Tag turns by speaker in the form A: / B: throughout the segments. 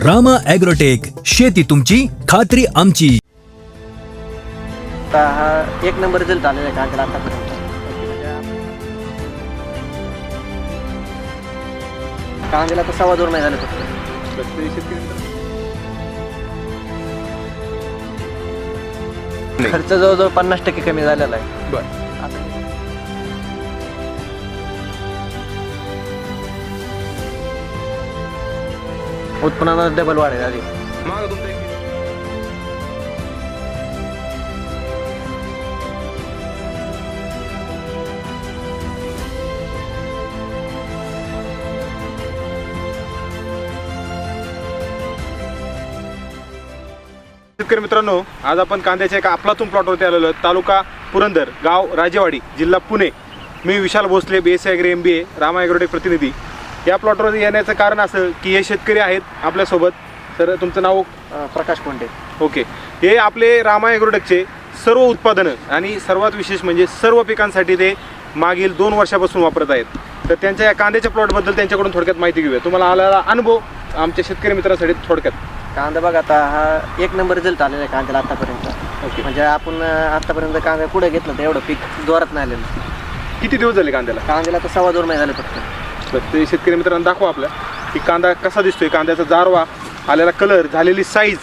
A: Rama agrotech, शेती तुमची, खात्री आमची.
B: आता हा एक नंबर रिझल्ट आलेला आहे कांद्याला आतापर्यंत. कांद्याला तर 2.25 महिने झाले फक्त. खर्च जवळजवळ 50% कमी झालेला आहे.
C: बरं.
B: उत्पन्नाला डबल वाढ आहे आधी.
C: मागं तुमचं एक शेतकरी मित्रांनो, आज आपण कांद्याच्या एका अफलातून प्लॉटवरती आलेलो आहे. तालुका पुरंदर, गाव राजेवाडी, जिल्हा पुणे. मी Vishal Bhosale, BSc agri MBA, Rama agrotech प्रतिनिधी. या प्लॉटवर येण्याचं कारण असं की हे शेतकरी आहेत आपल्यासोबत. सर, तुमचं नाव?
B: प्रकाश कोंडे.
C: ओके. हे आपले रामा ॲग्रोटेकचे सर्व उत्पादनं आणि सर्वात विशेष म्हणजे सर्व पिकांसाठी ते मागील 2 वर्षापासून वापरत आहेत. तर त्यांच्या या कांद्याच्या प्लॉटबद्दल त्यांच्याकडून थोडक्यात माहिती घेऊया. तुम्हाला आलेला अनुभव आमच्या शेतकरी मित्रांसाठी थोडक्यात.
B: कांदा बघा, आता हा एक नंबर रिझल्ट आलेला आहे कांद्याला आतापर्यंत.
C: ओके.
B: म्हणजे आपण आतापर्यंत कांदा कुठे घेतलं तर एवढं पीक जोरात नाही आलेलं.
C: किती दिवस झाले कांद्याला?
B: कांद्याला तर 2.25 महिने झाले फक्त.
C: तर ते शेतकरी मित्रांना दाखवा आपल्या की कांदा कसा दिसतोय, कांद्याचा जारवा, आलेला कलर, झालेली साईज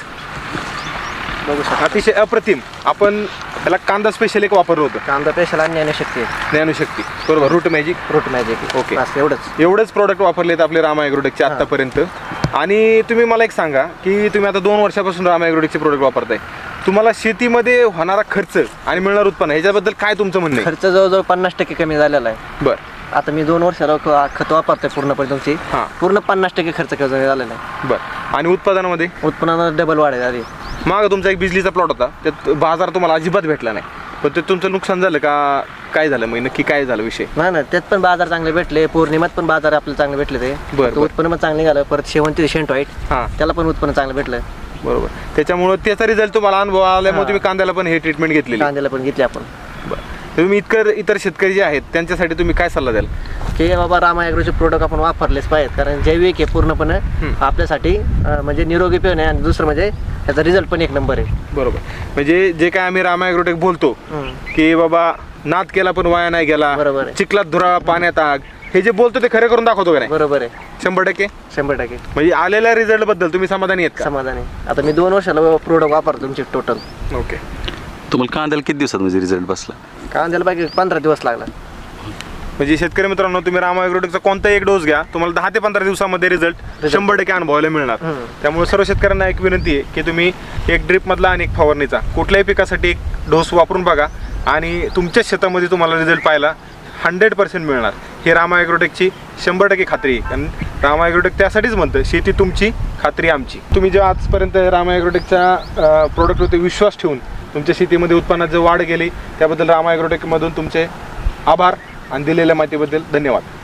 B: बघू शकता.
C: अतिशय अप्रतिम. आपण त्याला कांदा स्पेशल एक वापरलं होतं,
B: कांदा पेशल आणि ज्ञानशक्ती आहे.
C: ज्ञानशक्ती, बरोबर, root magic.
B: Root magic.
C: Okay.
B: बस एवढंच.
C: एवढेच प्रोडक्ट वापरलेत आपले रामा ॲग्रोटेकचे आतापर्यंत. आणि तुम्ही मला एक सांगा की तुम्ही आता 2 वर्षापासून रामा ॲग्रोटेकचे प्रोडक्ट वापरताय. तुम्हाला शेतीमध्ये होणारा खर्च आणि मिळणार उत्पन्न ह्याच्याबद्दल काय तुमचं म्हणणं आहे?
B: खर्च जवळजवळ 50% कमी झालेला आहे.
C: बरं.
B: आता मी 2 वर्षाला खत वापरतोय पूर्णपणे तुमची.
C: हां.
B: पूर्ण 50% खर्च कमी झालेला आहे.
C: बरं. आणि उत्पादनामध्ये?
B: उत्पन्नाला डबल वाढ आहे आधी.
C: मागं तुमचा एक बिजलीचा प्लॉट होता, त्यात बाजार तुम्हाला अजिबात भेटला नाही. पण ते तुमचं नुकसान झालं का काय झालं? मग नक्की काय झालं विषय?
B: नाही ना, त्यात पण बाजार चांगले भेटले. पौर्णिमात पण बाजार आपल्याला चांगले भेटले. ते
C: बरं.
B: उत्पन्न पण चांगलं निघालं. परत शेवंती शेंट व्हाईट,
C: हां,
B: त्याला पण उत्पन्न चांगलं भेटलं.
C: बरोबर. त्याच्यामुळे त्याचा रिझल्ट तुम्हाला अनुभव आल्यामुळे तुम्ही कांद्याला पण हे ट्रीटमेंट घेतलेली.
B: कांद्याला पण घेतली आपण.
C: बरं. तुम्ही इतर शेतकरी जे आहेत त्यांच्यासाठी तुम्ही काय सल्ला द्याल?
B: की बाबा रामा ॲग्रोचे प्रोडक्ट आपण वापरलेच पाहिजेत. कारण जैविक आहे पूर्णपणे आपल्यासाठी, म्हणजे निरोगी पण आहे. आणि दुसरं म्हणजे त्याचा रिझल्ट पण एक नंबर आहे.
C: बरोबर. म्हणजे जे काय आम्ही रामा ॲग्रोटेक बोलतो की बाबा नाद केला पण वाया नाही गेला,
B: बरोबर आहे.
C: चिखलात धुरा पाण्यात आग, हे जे बोलतो ते खरं करून दाखवतो का नाही?
B: बरोबर आहे.
C: 100%.
B: 100%
C: म्हणजे आलेल्या रिझल्ट बद्दल तुम्ही समाधानी आहेत का?
B: समाधान आहे. आता मी 2 वर्षाला प्रोडक्ट वापरतो तुमचे टोटल.
C: ओके.
D: तुम्हाला कांद्याला किती दिवसात म्हणजे रिझल्ट बसला?
B: कांद्याला बाकी 15 दिवस लागला.
C: म्हणजे शेतकरी मित्रांनो, तुम्ही रामा ॲग्रोटेकचा कोणताही एक डोस घ्या, तुम्हाला 10 ते 15 दिवसामध्ये रिझल्ट 100% अनुभवायला मिळणार. त्यामुळे सर्व शेतकऱ्यांना एक विनंती आहे की तुम्ही एक ड्रिपमधला आणि एक फवारणीचा कुठल्याही पिकासाठी एक डोस वापरून बघा आणि तुमच्याच शेतामध्ये तुम्हाला रिझल्ट पाहायला 100% मिळणार. हे रामा ॲग्रोटेकची 100% खात्री आहे. कारण रामा ॲग्रोटेक त्यासाठीच म्हणतं, शेती तुमची, खात्री आमची. तुम्ही जे आजपर्यंत रामा ॲग्रोटेकच्या प्रोडक्टवरती विश्वास ठेवून तुमच्या शेतीमध्ये उत्पन्नात जे वाढ गेली त्याबद्दल रामा ॲग्रोटेकमधून तुमचे आभार आणि दिलेल्या माहितीबद्दल धन्यवाद.